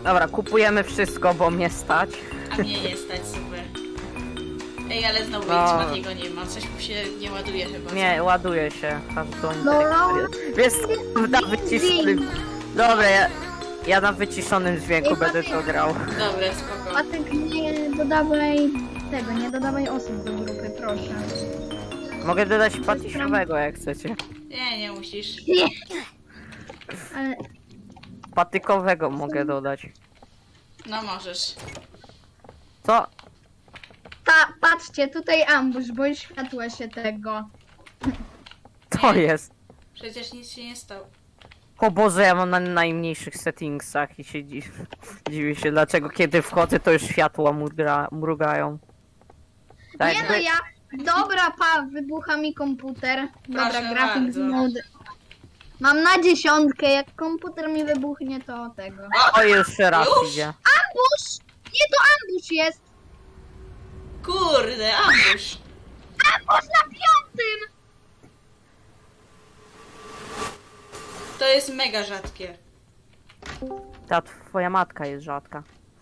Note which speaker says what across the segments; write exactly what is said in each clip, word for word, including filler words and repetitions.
Speaker 1: Dobra, kupujemy wszystko, bo mnie stać.
Speaker 2: A mnie nie stać, super. Ej, ale znowu
Speaker 1: No.
Speaker 2: no. Matiego nie ma, coś mu się nie ładuje chyba.
Speaker 1: Nie, ładuje się. Każdą
Speaker 3: No, no.
Speaker 1: Jest na wyciszonym... Dobra, ja, ja na wyciszonym dźwięku
Speaker 3: Ej,
Speaker 1: będę
Speaker 3: Maciek.
Speaker 1: to grał.
Speaker 2: Dobra, spoko.
Speaker 3: Patek, nie dodawaj tego, nie dodawaj osób do grupy, proszę.
Speaker 1: Mogę dodać patysiowego, jak chcecie.
Speaker 2: Nie, nie musisz.
Speaker 3: Nie. Ale
Speaker 1: Patykowego mogę dodać.
Speaker 2: No możesz.
Speaker 1: Co?
Speaker 3: ta, patrzcie, tutaj ambush, bo światła się tego.
Speaker 1: To jest.
Speaker 2: Przecież nic się nie stało.
Speaker 1: O Boże, ja mam na najmniejszych settingsach i się dziw... dziwię się, dlaczego kiedy wchodzę, to już światła mruga... mrugają. Tak
Speaker 3: Nie no
Speaker 1: jakby-
Speaker 3: ja. Dobra, pa, wybucha mi komputer. Dobra,
Speaker 2: Proszę
Speaker 3: grafik
Speaker 2: bardzo.
Speaker 3: mode. Mam na dziesiątkę, jak komputer mi wybuchnie, to tego.
Speaker 1: O, już raz
Speaker 2: Już?
Speaker 1: idzie.
Speaker 3: Ambush! Nie, to ambush jest!
Speaker 2: Kurde, ambush.
Speaker 3: Ambush na piątym!
Speaker 2: To jest mega rzadkie.
Speaker 1: Ta twoja matka jest rzadka.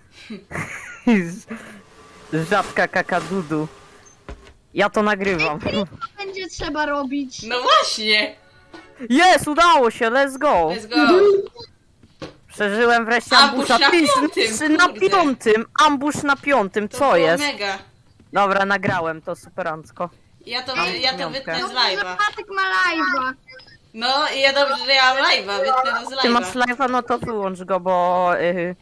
Speaker 1: Rzadka kakadudu. Ja to nagrywam.
Speaker 3: Co będzie trzeba robić?
Speaker 2: No właśnie.
Speaker 1: Jest, udało się, let's go.
Speaker 2: Let's go.
Speaker 1: Przeżyłem wreszcie
Speaker 2: Ambush
Speaker 1: ambusza.
Speaker 2: na
Speaker 1: Ty,
Speaker 2: piątym,
Speaker 1: ty, na
Speaker 2: kurde.
Speaker 1: piątym, ambush na piątym,
Speaker 2: To
Speaker 1: co
Speaker 2: było
Speaker 1: jest?
Speaker 2: mega.
Speaker 1: Dobra, nagrałem to superancko.
Speaker 2: Ja to,
Speaker 1: Mam
Speaker 2: ja to
Speaker 1: piątkę.
Speaker 2: wytnę z
Speaker 3: Dobrze, że
Speaker 2: live'a.
Speaker 3: Patek ma live'a.
Speaker 2: No i ja dobrze, że ja mam live'a, wytnę to z
Speaker 1: Ty masz
Speaker 2: live'a.
Speaker 1: live'a, no to wyłącz go, bo... Yy...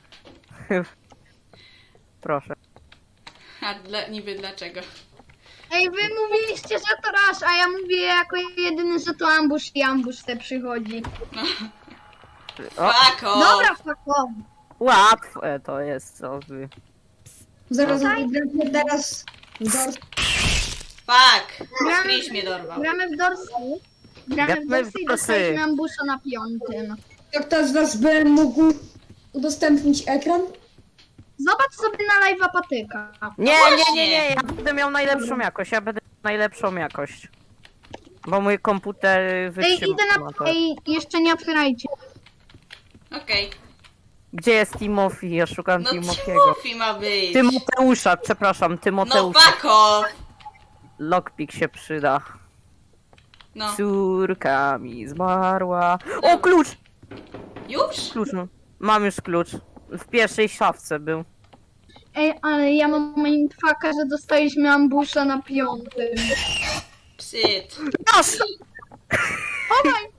Speaker 1: Proszę.
Speaker 2: A dla, niby dlaczego?
Speaker 3: Ej, wy mówiliście, że to rush, a ja mówię jako jedyny, że to ambush i ambush te przychodzi.
Speaker 1: O,
Speaker 2: Fuck off.
Speaker 3: Dobra, fuck off.
Speaker 1: łatwe to jest, co wy.
Speaker 4: Zaraz
Speaker 3: Tutaj?
Speaker 4: gramy teraz Dors.
Speaker 2: Fuck.
Speaker 3: Gramy-
Speaker 2: Chris mnie dorwał.
Speaker 3: Gramy w Dorsy. Gramy w
Speaker 1: Gramy w
Speaker 3: Dorsy i
Speaker 1: Dorsy.
Speaker 3: dostaliśmy ambusha na piątym.
Speaker 4: Jak ktoś z was by mógł udostępnić ekran?
Speaker 3: Zobacz sobie na live'a Patyka.
Speaker 1: Nie, nie,
Speaker 2: właśnie.
Speaker 1: nie, nie, ja będę miał najlepszą jakość, ja będę miał najlepszą jakość. Bo mój komputer
Speaker 3: Ej,
Speaker 1: wytrzyma
Speaker 3: idę na...
Speaker 1: to.
Speaker 3: Ej, jeszcze nie otwierajcie.
Speaker 2: Okej.
Speaker 1: Gdzie jest Timothy? Ja szukam
Speaker 2: No
Speaker 1: Timothy'ego.
Speaker 2: Timothy ma być.
Speaker 1: Tymoteusza, przepraszam,
Speaker 2: No
Speaker 1: Tymoteusza.
Speaker 2: fuck off.
Speaker 1: Lockpick się przyda.
Speaker 2: No.
Speaker 1: Córka mi zmarła. O, klucz!
Speaker 2: Już?
Speaker 1: Klucz, no. Mam już klucz. W pierwszej szafce był.
Speaker 3: Ej, ale ja mam mindfucka, że dostaliśmy ambusha na piątym.
Speaker 2: Psyt.
Speaker 1: Nasz!
Speaker 3: O my...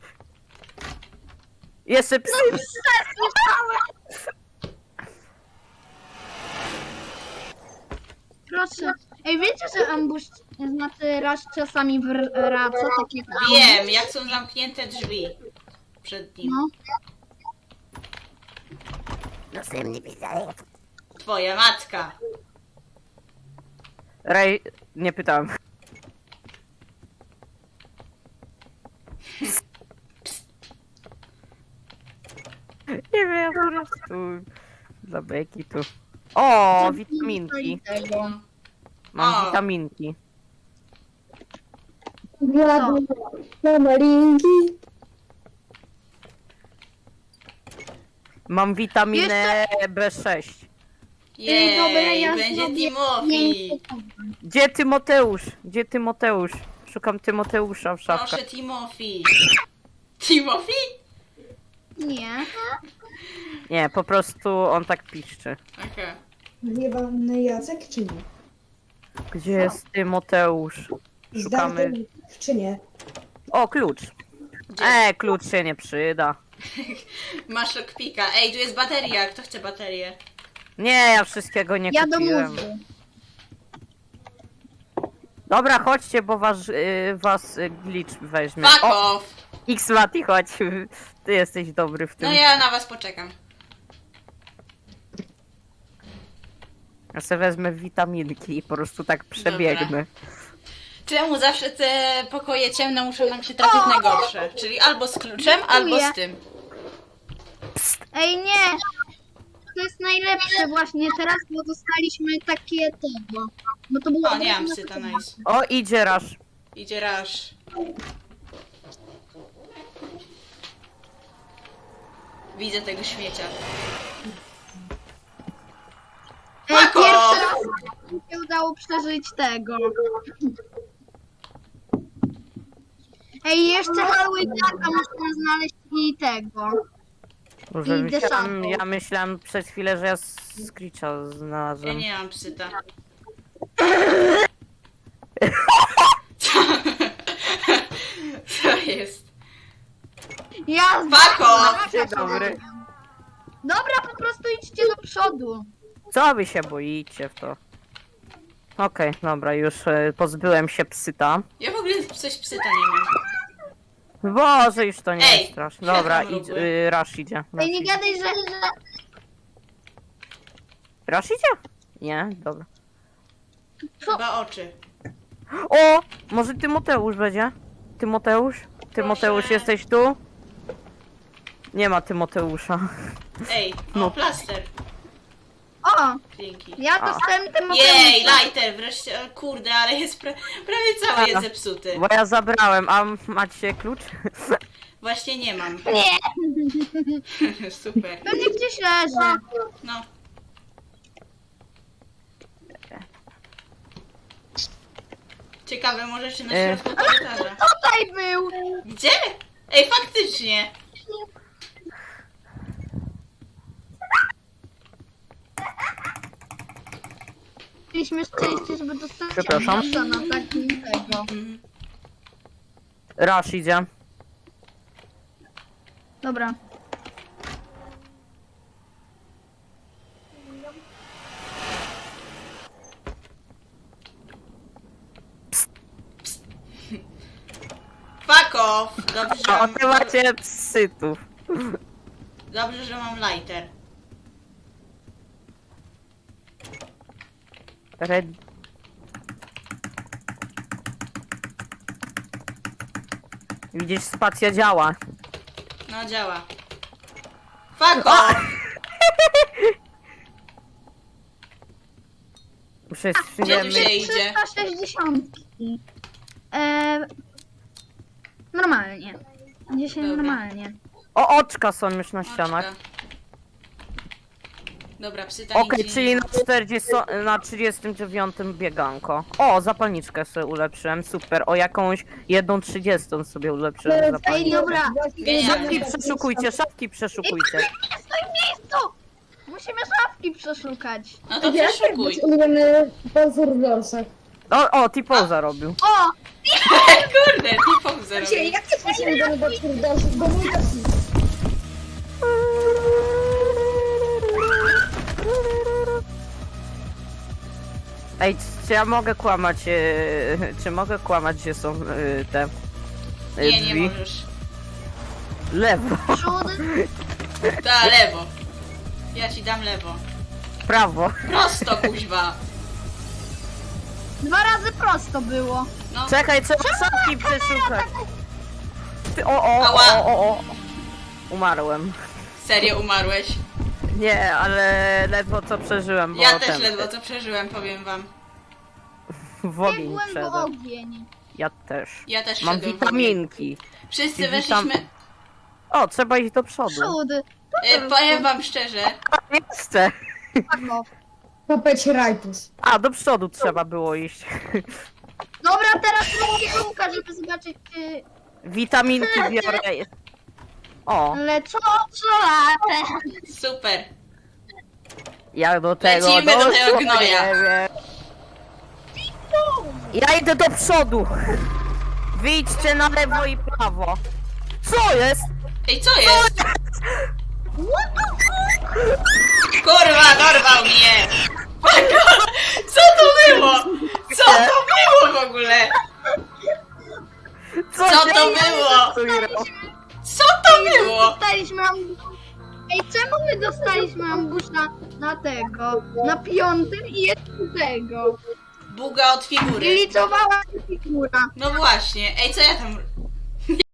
Speaker 1: Jeszcze psy.
Speaker 3: Proszę. Ej, wiecie, że ambush, znaczy rush czasami wraca, tak jak ambush?
Speaker 2: Wiem, jak są zamknięte drzwi przed nim.
Speaker 3: No.
Speaker 2: Twoja matka.
Speaker 1: Rej, nie pytałem. Nie wiem, po prostu dla beki tu. O, witaminki.
Speaker 3: Tego.
Speaker 1: Mam
Speaker 2: O.
Speaker 1: witaminki.
Speaker 4: Mamy linki.
Speaker 1: Mam witaminę B sześć.
Speaker 3: Ej, dobra,
Speaker 2: Jej,
Speaker 3: ja
Speaker 2: będzie
Speaker 3: zrobię
Speaker 2: Timothy.
Speaker 3: miękko.
Speaker 1: Gdzie Tymoteusz? Gdzie Tymoteusz? Szukam Tymoteusza w szafkach.
Speaker 2: Proszę Timothy. Timothy?
Speaker 3: Nie.
Speaker 1: Nie, po prostu on tak piszczy.
Speaker 2: Okej.
Speaker 4: Zjebany Jacek czy nie?
Speaker 1: Gdzie jest Tymoteusz? Szukamy.
Speaker 4: Zdarty czy nie?
Speaker 1: O, klucz.
Speaker 2: Gdzie?
Speaker 1: E, klucz się nie przyda.
Speaker 2: Masz lockpicka. Ej, tu jest bateria. Kto chce baterię?
Speaker 1: Nie, ja wszystkiego nie
Speaker 3: Ja do
Speaker 1: kupiłem.
Speaker 3: mózgu.
Speaker 1: Dobra, chodźcie, bo was, y, was y, glitch weźmie.
Speaker 2: Fuck
Speaker 1: O,
Speaker 2: off.
Speaker 1: X-Mati, chodź. Ty jesteś dobry w tym.
Speaker 2: No ja na was poczekam.
Speaker 1: Ja sobie wezmę witaminki i po prostu tak przebiegnę.
Speaker 2: Czemu zawsze te pokoje ciemne muszą nam się trafić najgorsze? Czyli albo z kluczem, albo z tym.
Speaker 3: Ej, nie! To jest najlepsze właśnie teraz, bo dostaliśmy takie tego. Bo to było...
Speaker 2: O, nie mam syta, nice.
Speaker 1: O, idzie Rasz.
Speaker 2: Idzie Rush. Widzę tego śmiecia.
Speaker 3: Ej,
Speaker 2: Fuck
Speaker 3: pierwszy
Speaker 2: off.
Speaker 3: raz mi się udało przeżyć tego. Ej, jeszcze Halloweenaka można znaleźć i tego.
Speaker 1: Może
Speaker 3: I
Speaker 1: myślałem,
Speaker 3: desantą.
Speaker 1: ja myślałem przez chwilę, że ja Screecha
Speaker 2: Ja
Speaker 1: znalazłem.
Speaker 2: nie mam psyta. Co? Co jest?
Speaker 3: Ja
Speaker 2: Fuck off.
Speaker 1: Dzień dobry.
Speaker 3: Dobra, po prostu idźcie do przodu.
Speaker 1: Co wy się boicie w to? Okej, dobra, już e, pozbyłem się psyta.
Speaker 2: Ja w ogóle coś psyta nie mam.
Speaker 1: Boże, już to nie
Speaker 2: Ej,
Speaker 1: jest straszne. Dobra,
Speaker 2: światło
Speaker 1: idź,
Speaker 2: mrugły.
Speaker 1: y, Rush idzie. Rush
Speaker 3: Ej, nie
Speaker 1: idzie.
Speaker 3: gadaj, że... że...
Speaker 1: Rush idzie? Nie, dobra.
Speaker 2: Chyba oczy.
Speaker 1: O! Może Tymoteusz będzie? Tymoteusz? Tymoteusz,
Speaker 2: Proszę.
Speaker 1: jesteś tu? Nie ma Tymoteusza.
Speaker 2: Ej, o,
Speaker 1: No.
Speaker 2: plaster.
Speaker 3: O,
Speaker 2: Dzięki.
Speaker 3: ja dostałem tym
Speaker 2: Jej, lighter, wreszcie, o, kurde, ale jest pra prawie cały
Speaker 1: A.
Speaker 2: jest zepsuty.
Speaker 1: Bo ja zabrałem, a macie klucz?
Speaker 2: Właśnie nie mam.
Speaker 3: Nie,
Speaker 2: Super.
Speaker 3: pewnie gdzieś leży.
Speaker 2: No. Ciekawe, może czy na
Speaker 1: E.
Speaker 2: środku korytarza.
Speaker 3: Tutaj był.
Speaker 2: Gdzie? Ej, faktycznie.
Speaker 3: Mieliśmy szczęście, żeby dostać
Speaker 1: Przepraszam.
Speaker 3: newsa na takim tego.
Speaker 2: Mhm.
Speaker 1: Rush idzie.
Speaker 3: Dobra.
Speaker 2: Fuck off. Dobrze, że
Speaker 1: A
Speaker 2: mam,
Speaker 1: ty macie psytów.
Speaker 2: dobrze, że mam lighter.
Speaker 1: Red... Widzisz, spacja działa.
Speaker 2: No, działa. Fuck off.
Speaker 1: Muszę
Speaker 2: Gdzie tu się
Speaker 1: nie
Speaker 2: idzie?
Speaker 3: trzysta sześćdziesiąt. Eee, normalnie. Dzisiaj
Speaker 2: Dobra.
Speaker 3: normalnie.
Speaker 1: O, oczka są już na ścianach.
Speaker 2: Oczka. Dobra, psyta
Speaker 1: Okej,
Speaker 2: nigdzie
Speaker 1: czyli
Speaker 2: nie
Speaker 1: na
Speaker 2: ma.
Speaker 1: czterdziestym, na trzydziestym dziewiątym bieganko. O, zapalniczkę sobie ulepszyłem, super. O, jakąś jedną trzydziestą sobie ulepszyłem
Speaker 3: Ej,
Speaker 1: zapalniczkę.
Speaker 3: dobra.
Speaker 1: Szafki przeszukujcie, szafki przeszukujcie.
Speaker 3: Nie stoi w miejscu! Musimy szafki przeszukać.
Speaker 2: No to
Speaker 4: Wiesz,
Speaker 2: przeszukuj.
Speaker 4: jak ulubiony pozór w dorsach.
Speaker 1: O, o, T-Pose zarobił.
Speaker 3: O!
Speaker 2: Kurde, T-Pop
Speaker 4: Gdzie,
Speaker 2: zarobił.
Speaker 4: jak ty masz ulubiony pozór w dorsach? Bo mój też jest.
Speaker 1: Ej, czy ja mogę kłamać, e, czy mogę kłamać, gdzie są e, te e,
Speaker 2: Nie, nie
Speaker 1: drzwi?
Speaker 2: możesz.
Speaker 1: Lewo,
Speaker 3: Przód.
Speaker 2: Da, lewo. Ja ci dam lewo.
Speaker 1: prawo.
Speaker 2: Prosto, kuźwa.
Speaker 3: Dwa razy prosto było.
Speaker 2: No,
Speaker 1: Czekaj, trzeba szafki przeszukać. Ty, o, o,
Speaker 2: Ała.
Speaker 1: o, o, o. Umarłem.
Speaker 2: serio umarłeś.
Speaker 1: Nie, ale ledwo co przeżyłem, bo
Speaker 2: Ja też
Speaker 1: ten,
Speaker 2: ledwo co przeżyłem, powiem wam.
Speaker 1: w ogień
Speaker 3: Biegłem w
Speaker 1: wszedłem.
Speaker 3: ogień.
Speaker 1: Ja też.
Speaker 2: Ja też
Speaker 1: Mam
Speaker 2: szedłem w
Speaker 1: witaminki.
Speaker 2: Wszyscy
Speaker 1: I
Speaker 2: weszliśmy...
Speaker 1: witam- O, trzeba iść do przodu.
Speaker 3: Przód.
Speaker 2: E, powiem wam szczerze,
Speaker 1: Nie chcę.
Speaker 3: Fuck off.
Speaker 4: Kopeć rajtus.
Speaker 1: A, do przodu trzeba było iść.
Speaker 3: Dobra, teraz robię kółka, żeby zobaczyć czy...
Speaker 1: Witaminki biorę. O,
Speaker 3: Ale co? Co latę?
Speaker 2: super.
Speaker 1: jak do tego
Speaker 2: Lecimy do tego
Speaker 1: doszło,
Speaker 2: gnoja.
Speaker 1: nie wiem. Ja idę do przodu. Wyjdźcie na lewo i prawo. Co jest?
Speaker 2: Ej, co jest? Kurwa, dorwał mnie! Co to było? Co to było w ogóle? Co
Speaker 1: się
Speaker 2: to było?
Speaker 1: dzieje?
Speaker 2: Co to było?
Speaker 3: Dostaliśmy ambusza. Ej, czemu my dostaliśmy ambusza na tego? Na piątym i jeszcze tego.
Speaker 2: Buga od
Speaker 3: I
Speaker 2: figury.
Speaker 3: liczowała się figura.
Speaker 2: No właśnie. Ej, co ja tam